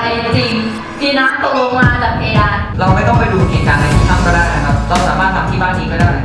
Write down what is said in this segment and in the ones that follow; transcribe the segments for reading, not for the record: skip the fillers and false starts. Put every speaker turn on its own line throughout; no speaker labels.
จริงมีน้ำตกลงมาจากเพดาน
เราไม่ต้องไปดูเหตุการณ์ในที่ถ้ำก็ได้นะครับเราสามารถทำที่บ้านนี้ก็ได้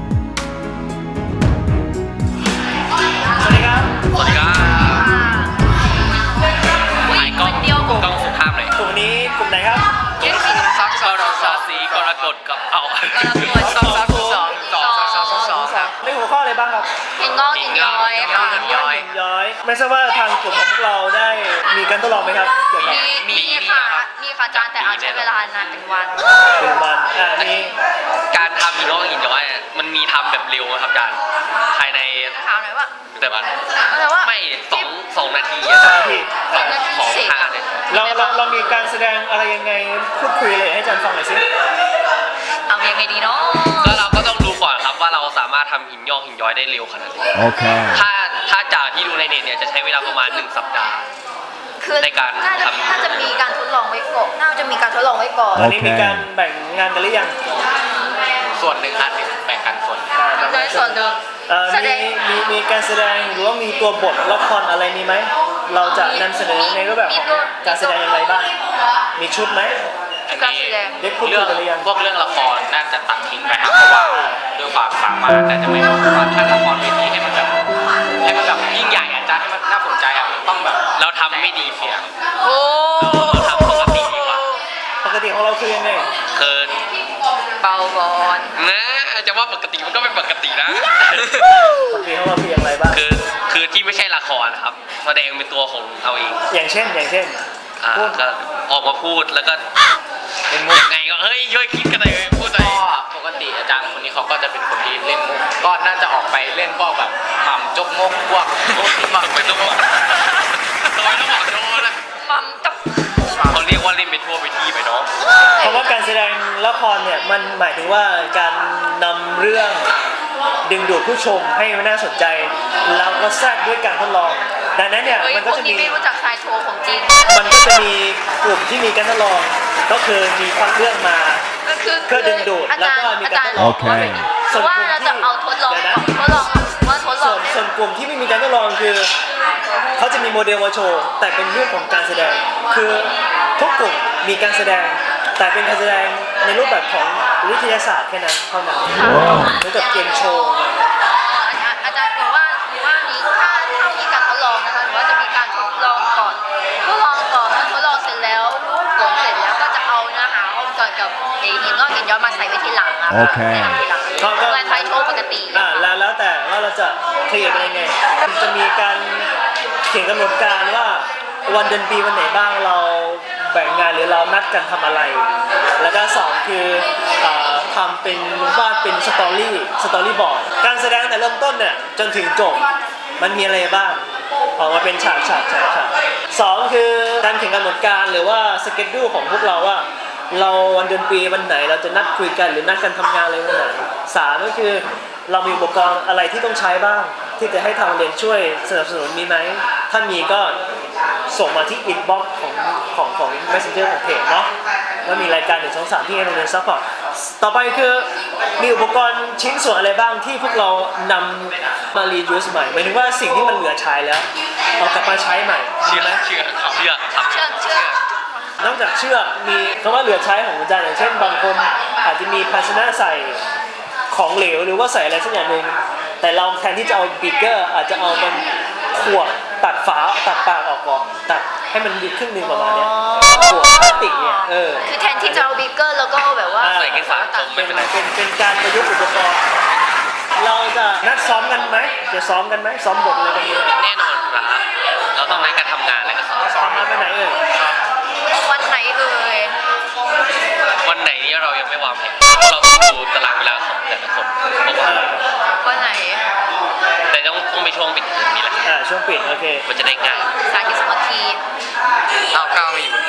สวัสดีครับ
สวัสดีครับไอ้กล้องสุภาพหน่อย
กลุ่มนี้กลุ่มไหนครับ
ซักซอรซาสีกรกฎกับเอาซักสอง
ในหัวข้ออะไรบ้างครับ
หินงอกหินย้อยค่ะ
หินย้อย ไม่ทราบว่าทางกลุ่มของพวกเราได้มีการทดลองไหมครับเกี่ยวกับ
มีค่ะอาจารย์แต่อาจใช้เวลานานเป็นวัน
มันมี
การทำหินงอกหินย้อยมันมีทำแบบเร็วครับอาจารย์ภายใน
ถามหน่อยว่า
แต่ว่า
ว่า
ไม่สองนาที
สมาธิ
ของท่าเนี่ย
เรามีการแสดงอะไรยังไงพูดคุยเลยให้อาจารย์ฟังหน่อยสิ
เอายังไงดีเนาะ
ก็เราก็ต้องดูก่อนครับว่าเราสามารถทำหินงอกหินย้อยได้เร็วขนาดไหน
Okay.
ถ้าจากที่ดูในเน็ตเนี่ยจะใช้เวลาประมาณ1 สัปดาห์
คือ
ในการ
น่าจะมีการทดลองไว้ก่อนน่าจะมีการทดลองไว้ก่อน
ตอนนี้มีการแบ่งงานกันหรือยัง
ส่วนหนึ่งอันหนึ่งแบ่งกันส่วน
โดยส่วนหนึ่งแสดง
มีการแสดงหรือว่ามีตัวบทละครอะไรมีไหมเราจะนำเสนอในรูปแบบของการแสดงอย่างไรบ้างมีชุดไหม
การแสดง
เด็กพูดคุยกันหรือยัง
พวกเรื่องละครน่าจะตัดทิ้งไปครับเพราะว่าด้วยความสามารถน่าจะไม่เหมาะกับถ้าละครเวทีให้มันแบบยิ่งใหญ่อาจารย์ให้มันน่าสนใจอ่ะมันต้องแบบเราทำไม่ดีเสีย
โอ้
เราทำปกติดีกว่า
ปกติของเราคือยังไง
คือ
เบาก่อน
นะจะว่าปกติมันก็ไม่ปกตินะ
ปกติของเราคืออย่างไรบ้าง
คือที่ไม่ใช่ละครนะครับแสดงเป็นตัวของเราเอง
อย่างเช่น
ก็ออกมาพูดแล้วก็เป็นมุกยังไงก็เฮ้ยช่วยคิดกันหน่อยพูดหน่อยปกติอาจารย์คนนี้เขาก็จะเป็นคนที่เล่นมุกก็น่าจะออกไปเล่นพวกแบบหม่ำจกมกพวกหม่ำเป็นตัวทำไมต้องหม่ำโดนนะ
มัมจับ
เขาเรียกว่าเล่นไปทั่วไปที่ไปเนาะ
เพราะว่าการแสดงละครเนี่ยมันหมายถึงว่าการนำเรื่องดึงดูดผู้ชมให้มันน่าสนใจแล้วก็แทรกด้วยการทดลองดังนั้นเนี่ย
เฮ้ย
มัน
พ
ก็
วก
จะ
นี้
มี
ไม่รู้จักชายโชว์ของจริง
มันก็จะมีกลุ่มที่มีการทดลองก็คือมีคัดเรื่องมา
ก็คือ
เพื่อดึงดูดแล้วก็มีการทดลอง
โอเค
ว่าเราจะเอาทดลองว่าทดล
ส่
อ
ว
ง
นส่วนกลุ่มที่ไม่มีการทดลองคือเขาจะมีโมเดลมาโชว์แต่เป็นเรื่องของการแสดงคือทุกกลุ่มมีการแสดงแต่เป็นการแสดงในรูปแบบของวิทยาศาสตร์แค่นั้นเท่านั้นเหมือนกับเกมโชว์
อาจารย์บอกว่ามีถ้ามีการทดลองนะคะหรือว่าจะมีการทดลองก่อนเมื่อทดลองเสร็จแล้วผลเสร็จแล้วก็จะเอาเนื้อหาเกี่ยวกับหินงอกหินย้อยมาใส่ไว้ที่หลังอะ
โอเค
เวลาใช้โชว์ปกติ
แล้วแต่ว่าเราจะเคลียร์กันยังไงจะมีการเขียนกำหนดการว่าวันเดือนปีวันไหนบ้างเราแบ่งงานหรือเรานัดกันทำอะไร แล้วก็สองคือทำเป็นวาดเป็นสตอรี่บอร์ดการแสดงแต่เริ่มต้นเนี่ยจนถึงจบมันมีอะไรบ้างออกมาเป็นฉากสองคือการเขียนกำหนดการหรือว่าสเกจดูของพวกเราว่าเราวันเดือนปีวันไหนเราจะนัดคุยกันหรือนัดกันทำงานอะไรวันไหนสามก็คือเรามีอุปกรณ์อะไรที่ต้องใช้บ้างที่จะให้ทางเรียนช่วยสนับสนุนมีไหมถ้ามีก็ส่งมาที่อินบ็อกซ์ของ Messenger ของเพจเนาะแล้วมีรายการ1 2 3ที่ให้โรงเรียนซัพพอร์ตต่อไปคือมีอุปกรณ์ชิ้นส่วนอะไรบ้างที่พวกเรานำมารียูสใหม่หมายถึงว่าสิ่งที่มันเหลือใช้แล้วเอากลับมาใช้ใหม่เชื่อ นอกจากเชือกมีคำว่าเหลือใช้ของอาจารย์อย่างเช่นบางคนอาจจะมีภาชนะใส่ของเหลวหรือว่าใส่อะไรสักอย่างหนึ่งแต่เราแทนที่จะเอาบิ๊กเกอร์อาจจะเอาเป็นขวดตัดฝาตัดปากออกก่อนตัดให้มันดีครึ่งนึงประมาณนี้ขวดพลาสติกเนี่ย
คือแทนที่จะเอาบิ๊กเกอร์แล้วก็แบบว่า
ใส่กระสาจมไม่เป็นไร
เป็นการประยุกต์อุปกรณ์เราจะนัดซ้อมกันไหมจะซ้อมกันไหมซ้อมบทอะไรกันดี
แน่นอนครับเราต้องให้การทำงานและก็สอน
ซ้อมมาไปไหนเอ่ย
วันไหนเอ่ย
วันไหนนี้เรายังไม่วางแผนเราต้องดูตารางเวลาของแต่ละคนเพราะว่า
วันไหน
แต่ต้องไปช่วงปิดเทอมนี่แหละ
ช่วงปิดโอเค
มันจะได้ง่าย
สาธิตสมาธิ
ก้าวไม่อยู่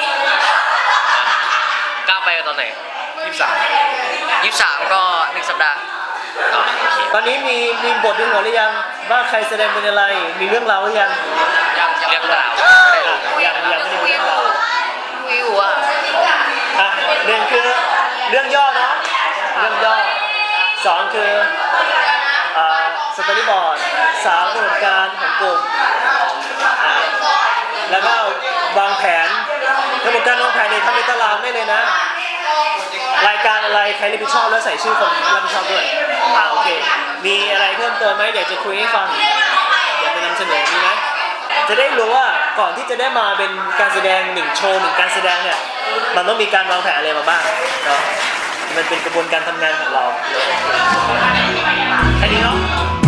ก้าวไปตอนไหน23ก็1 สัปดาห์โอเค
ตอนนี้มีบทในหัวหรือยังว่าใครแสดงเป็นอะไรมีเรื่องราวหรือยัง
เรื่องราว
ยังไม่ได้มีเรื่องราว
วิวอ่ะ
หนึ่งคือเรื่องย่อเนาะเรื่องย่อสองคือสตอรี่บอร์ดสามกำหนดการของกลุ่มแล้วก็วางแผนกกำหนดการวางแผนเนี่ยทำในตารางได้เลยนะ รายการอะไรใครรับผิดชอบแล้วใส่ชื่อคนรับผิดชอบด้วยโอเคมีอะไรเพิ่มเติมไหมอยากจะคุยให้ฟังอยากจะนำเสนอมีไหมจะได้รู้ว่าก่อนที่จะได้มาเป็นการแสดง1โชว์1การแสดงเนี่ยมันต้องมีการวางแผนอะไรมาบ้างเนาะมันเป็นกระบวนการทำงานของเราแค่นี้เนาะ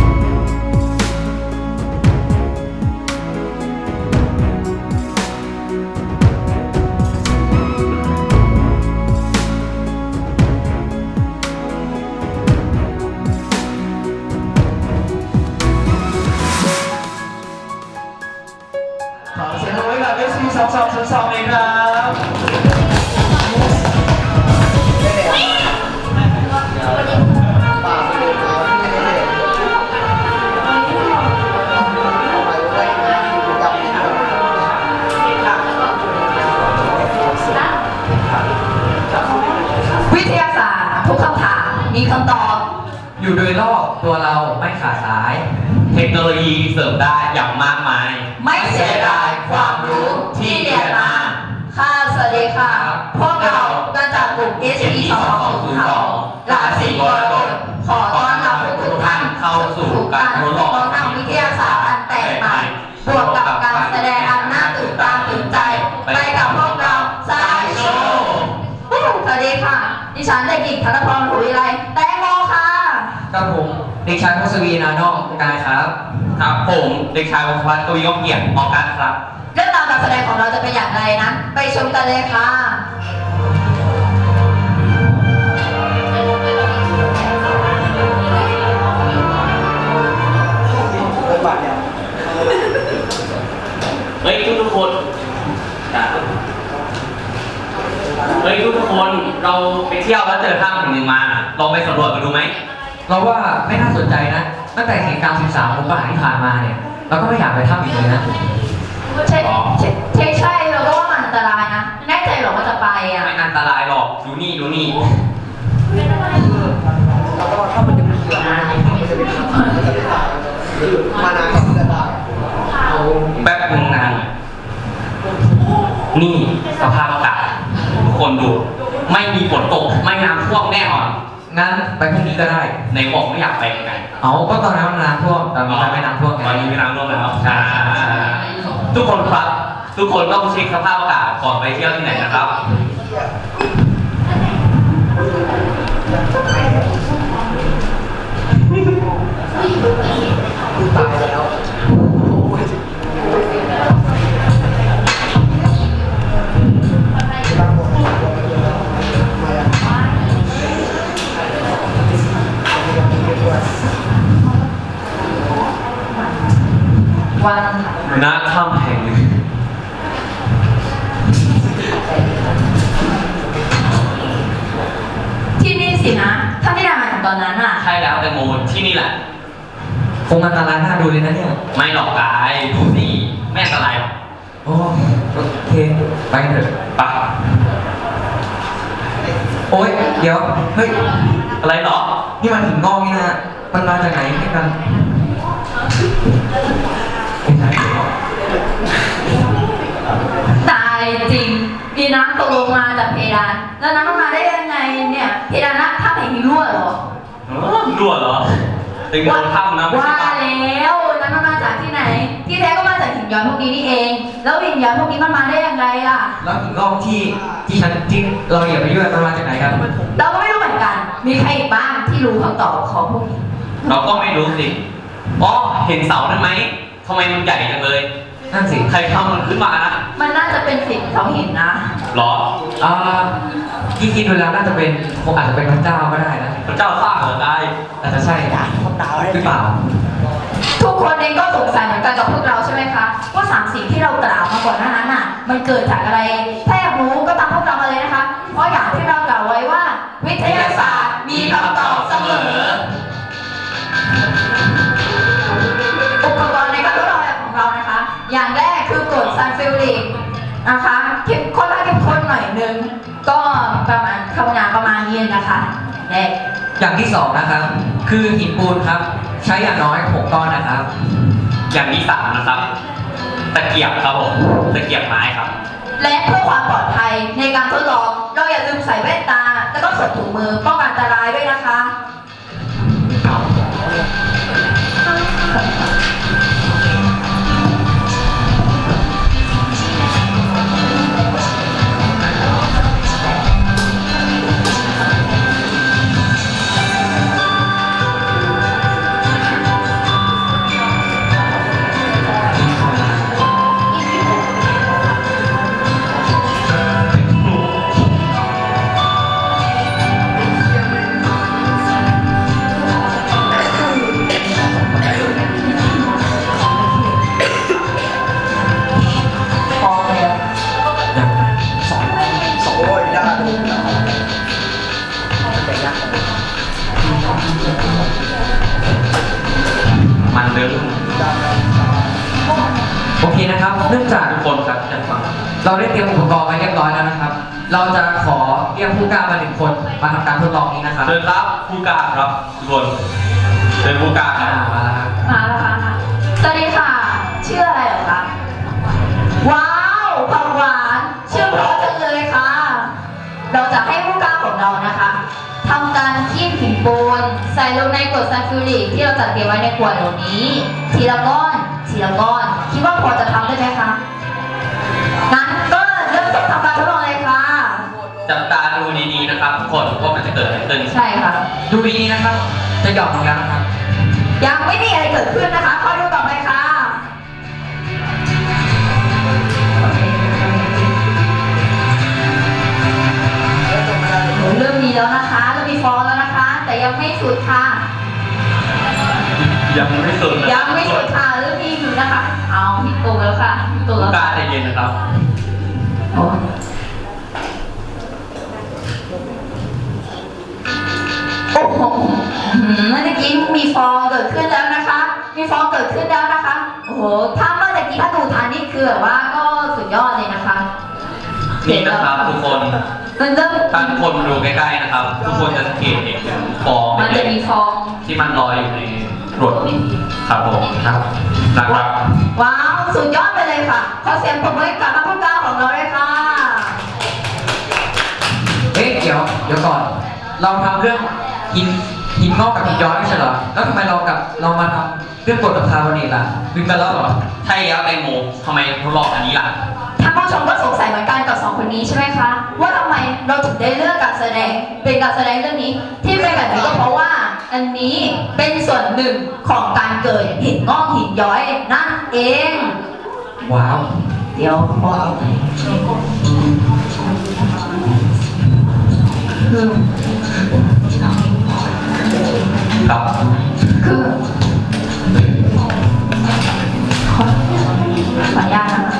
ขอเสียงปรบมือให้กับ SC2202 เลยครับ
วิทยาศาสตร์ทุกคำถามมีคำตอบ
อยู่โดยรอบตัวเราไม่ขาดสาย
เทคโนโลยีเสริมได้อย่างมากมาย
ไม่เสียดายความรู้ที่เรียนมา ค่ะสวัสดีค่ะ พวกเรามาจากกลุ่ม SC 2202ราศีกรกฎขอต้อนรับทุกท่านเข้าสู่การทดลองทางวิทยาศาสตร์อันแปลกใหม่บวกกับการแสดงอันน่าตื่นตาตื่นใจ ไปกับพวกเราสายโชว์สวัสดีค่ะ ดิฉันเด็กหญิงธนพรหุวิไลแตงโมค่ะ
ครับผมเด็กชายพศวีนานอกกายครับ
ครับผมเด็กชายวัชวัฒน์กวียงเกียรติออกการครับ
เรื่องราวการแสดงของเราจะเป็นอย่างไรนั้นไปชมกันเลยค่ะ
เฮ้ยทุกคนเราไปเที่ยวแล้วเจอถ้ำแห่งหนึ่งมาลองไปสำรวจกันดูไหม
เราว่าไม่น่าสนใจนะ ตั้งแต่เหตุการณ์13ของป่าที่ผ่านมาเนี่ย เราก็ไม่อยากไปถ้ำอีกเลยนะ
ใช่เราก็ว่ามันอันตรายนะ แน่ใจหรอว่าจะไปอ่ะ
ไม่อันตรายหรอกดูนี่แป๊บนึงนานนี่สภาพอากาศทุกคนดูไม่มีฝนตกไม่น้ำท่วมแน่นอน
งั้นไปพรุ่งนี้ก็ได้
ในบอกไม่อยากไปกัน
เอาก็ตอนนั้นมันน้ำท่วมแต่มีการไม่น้ำท่วม
ตอนนี้ไม่น้ำท่วมแล้วใช่ทุกคนครับทุกคนต้องเช็คสภาพอากาศก่อนไปเที่ยวที่ไหนนะครับ
วัน
ณถ้ำแห่งหนึ่ง
ที่นี่สินะ ถ้าไม่ได้มาถึงตอนนั้นอ่ะ
ใช่แล้วแตงโมที่นี่แหละ
คงอันตรายน่าดูเลยนะเนี่ย
ไม่หรอกกายดูสิไม่อันตรายหรอก
โอเคไปกันเถอะ
ปะ
โอ๊ยเดี๋ยวเฮ้ย
อะไรหรอ
นี่มันหินงอกนี่นะมันมาจากไหนให้กันไม่ใช่
ตายจริง มีน้ำตกลงมาจากเพดาน แล้วน้ำมันมาได้ยังไงเนี่ย เพดานน่ะถ้าแห่งนี้รั่วเหรอ
รั่วเหรอตึงโดนถ้ำนะไม่
ว่า
ใช่ปะ
แล้วน้ำมันมาจากที่ไหน ที่แท้ก็มาจากหินย้อยพวกนี้นี่เอง แล้วหินย้อยพวกนี้มันมาได้ยังไงล่ะ
แล้วหินงอกที่เราเหยียบไปด้วยมันมาจากไหนกัน
เราก็ไม่รู้เหมือนกัน มีใครอีกบ้างที่รู้คำตอบของพวกนี้
เราก็ไม่รู้สิอ๋อเห็นเสานั้นไหมทำไมมันใหญ่จังเลย
นั่นสิ
ใครทำมันขึ้นมานะ
มันน่าจะเป็นสิ่งเขาเห็นนะ
หรอ
ที่คิดดูแล้วน่าจะเป็นคงอาจจะเป็นพระเจ้าก็ได้นะ
พระเจ้าสร้างเหรอได้
อาจจะใช่หรือเปล่า
ทุกคนเองก็สงสัยเหมือนกันกับพวกเราใช่ไหมคะ ว่าสามสิ่งที่เรากล่าวมาก่อนหน้านั้นน่ะ มันเกิดจากอะไร ถ้าอยากรู้ก็ตามพวกเรามาเลยนะคะ เพราะอย่างที่เรากล่าวไว้ว่า วิทยาศาสตร์มีคำตอบเสมอ อุปกรณ์ในการทดลองของเรานะคะ อย่างแรกคือกรดซัลฟิวริกนะคะค่อนข้างเข้มข้นหน่อยนึง ก็ประมาณคำนามประมาณนี้นะคะแรก
อย่างที่สองนะครับ คือหินปูนครับ ใช้อย่างน้อย6ก้อนนะครับ
อย่างที่สามนะครับ ตะเกียบครับผมตะเกียบไม้ครับ
และเพื่อความปลอดภัย
ในการทดลองเราอย่าลืมใส่แว่นตาแล้วก็สวมถุงมือป้องกันอันตรายด้วยนะคะ พอแล้ว
มันเดิม
โอเคนะครับ เนื่องจาก
ทุกคนครับจะฟัง
เราได้เตรียมอุปกรณ์ไว้เรียบร้อยแล้วนะครับ เราจะขอเรียกผู้กล้ามา1 คนมาทำการทดลองนี้นะครับ
เชิญครับผู้กล้าครับทุกคนเชิญผู้กล้าครับ
มาแล้วครับ
มาแล้วค่ะสวัสดีค่ะ ชื่ออะไรเหรอคะ ว้าวผักหวานชื่อเพราะจังเลยค่ะ เราจะให้ผู้กล้าของเรานะคะทำการคีบหินปูนใส่ลงในกรดซัลฟูริกที่เราจัดเตรียมไว้ในขวดเหล่านี้ ทีละก้อนทีละก้อน คิดว่าพอจะทำได้ไหมคะ งั้นก็เริ่มต้นทำการทดลองเลยค่ะ
จับตาดูดีๆนะครับทุกคนว่ามันจะเกิดอะไรขึ้น
ใช่ค่ะ
ดูดีๆนะครับ จะหย่อนลงแล้วนะครับ
ยังไม่มีอะไรเกิดขึ้นนะคะคอยดูต่อไปค่ะโหเริ่มมีแล้วนะคะเริ่มมีฟองแล้วนะคะ แต่ยังไม่สุดค่ะ
ยังไม่สุดนะ
ยังไม่สุดค่ะเริ่มมีอยู่นะคะ เอาผิดตัวแล้วค่ะผิดตัว
ผู้
แล้ว
กล้า
ค่ะ
ใจเย็นนะครับ
โอ้โอ้โหเมื่อกี้มีฟองเกิดขึ้นแล้วนะคะ มีฟองเกิดขึ้นแล้วนะคะ โอ้โห ถ้าเมื่อกี้ถ้าดูทันนี่คือแบบว่าก็สุดยอดเลยนะคะ
นี่นะครับทุกคน
มันเริ่ม
ถ้าทุกคนมาดูใกล้ๆนะครับ ทุกคนจะสังเกตเห็นฟอง
มันจะมีฟอง
ที่มันลอยอยู่ในกรดครับผมนะครับ
ว้าว สุดยอดไปเลยค่ะ ขอเสียงปรบมือให้กับนักพูดกล้าของเราเลยค่ะ
เอ๊ะเดี๋ยวก่อน เราทำเรื่องหินงอกกับหินย้อยไม่ใช่เหรอ แล้วทำไมเรามาทำเรื่องกรดกับคาร์บอเนตล่ะลืมกันแล้วเหรอ
ใช่แล้วแตงโมทำไมทดลองอันนี้ล่ะ
ท่านผู้ชมก็สงสัยเหมือนกันกับสองคนนี้ใช่ไหมคะ ว่าทำไมเราถึงได้เลือกการแสดงเป็นการแสดงเรื่องนี้ ที่เป็นแบบนี้ก็เพราะว่า อันนี้เป็นส่วนหนึ่งของการเกิดหินงอกหินย้อยนั่นเอง
ว้าว
เดี๋ยวพอคือ
ครับ
คือขออนุญาตนะคะ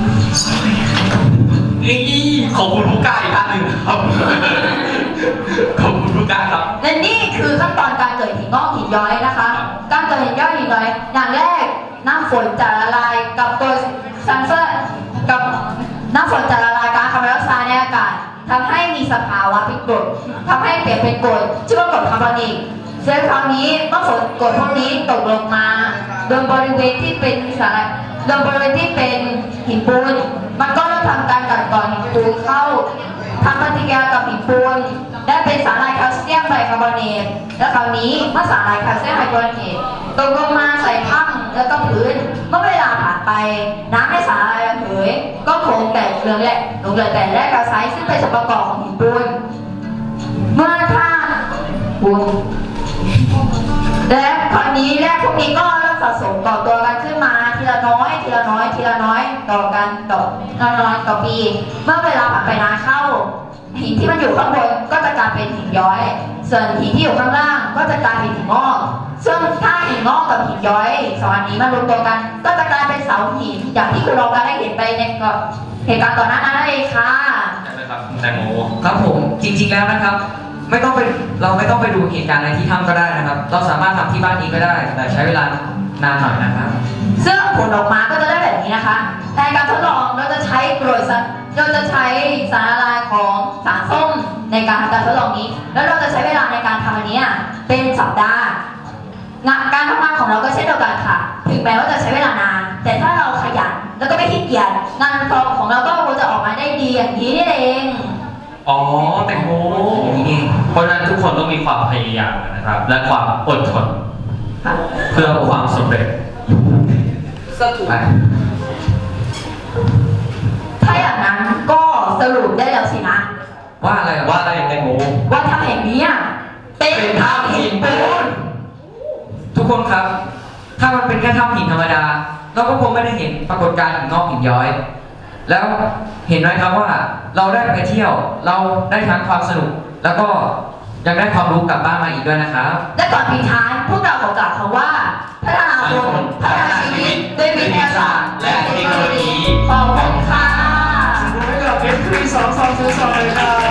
ขอบคุณผู้กล้าอีกครั้งหนึ่งครับ ขอบคุณผู้กล้าครับ
และนี่คือขั้นตอนการเกิดหินงอกหินย้อยนะคะ การเกิดหินย้อยหินย้อยอย่างแรกน้ำฝนจะละลายกับตัวซัลเฟอร์กับน้ำฝนจะละลายก๊าซคาร์บอนไดออกไซด์ในอากาศทำให้มีสภาวะเป็นกรดทำให้เปลี่ยนเป็นกรดชื่อว่ากรดคาร์บอนิกซึ่งคราวนี้เมื่อฝนกรดพวกนี้ตกลงมาโดยบริเวณที่เป็นสารโดยบริเวณที่เป็นหินปูนมันก็เริ่มทำการกัดกร่อนหินปูนเข้าทำปฏิกิริยากับหินปูนได้เป็นสารลายแคลเซียมไบคาร์บอเนตและคราวนี้เมื่อสารลายแคลเซียมไบคาร์บอเนตตกลงมาใส่ถ้ำแล้วก็พื้นเมื่อเวลาผ่านไปน้ำในสารลายระเหยก็คงแตกเหลืองแหละหลงเหลือแต่แร่แคลไซด์ซึ่งเป็นส่วนประกอบของหินปูนเมื่อถ้าปูนและคราวนี้แร่พวกนี้ก็เริ่มสะสมก่อตัวกันขึ้นมาทีละน้อยทีละน้อยทีละน้อยต่อกันต่อน้อยต่อปีเมื่อเวลาผ่านไปนานเข้าหินที่มันอยู่ข้างบนก็จะกลายเป็นหินย้อยส่วนหินที่อยู่ข้างล่างก็จะกลายเป็นหินงอกซึ่งถ้าหินงอกกับหินย้อยสองอันนี้มารวมตัวกันก็จะกลายเป็นเสาหินอย่างที่คุณรองการได้เห็นไปในเหตุการณ์ก่อนหน้านั้นนั่นเองค่ะ
ใช่ไหมครับแตงโม
ครับผมจริงๆแล้วนะครับ เราไม่ต้องไปดูเหตุการณ์ในที่ถ้ำก็ได้นะครับ เราสามารถทำที่บ้านนี้ก็ได้ แต่ใช้เวลานานหน่อยนะครับ
ซึ่งผลออกมาก็จะได้แบบนี้นะคะในการทดลองเราจะใช้เราจะใช้สารละลายของสารส้มในการทำการทดลองนี้ แล้วเราจะใช้เวลาในการทำอันนี้เป็นสัปดาห์การทำงานของเราก็เช่นเดียวกันค่ะ ถึงแม้ว่าจะใช้เวลานาน แต่ถ้าเราขยันแล้วก็ไม่ขี้เกียจงานของเราก็จะออกมาได้ดีอย่างนี้นี่เอง
อ๋อแตงโม
อย่างนี้เอง
เพราะฉะนั้นทุกคนต้องมีความพยายามนะครับ และความอดทน
ค่ะ
เพื่อความสำเร็จ
ไป
ถ้าอย่างนั้นก็สรุปได้แล้วสินะ
ว่าอะไร
ว่าอะไรแตงโม
ว่าถ้ำแห่งนี้อะเป็นถ้ำหินปูน
ทุกคนครับ ถ้ามันเป็นแค่ถ้ำหินธรรมดา เราก็คงไม่ได้เห็นปรากฏการณ์หินงอกหินย้อย แล้วเห็นไหมครับว่าเราได้ไปเที่ยว เราได้ทั้งความสนุก แล้วก็ยังได้ความรู้กลับบ้านมาอีกด้วยนะครับ
และก่อนปิดท้ายพวกเราขอกล่าวคำว่าพัฒนาคนพัฒนาชีวิตด้วยวิทยาศาสตร์และเทคโนโลยีขอบคุณค่ะ
ให้กับ F3202เลยครับ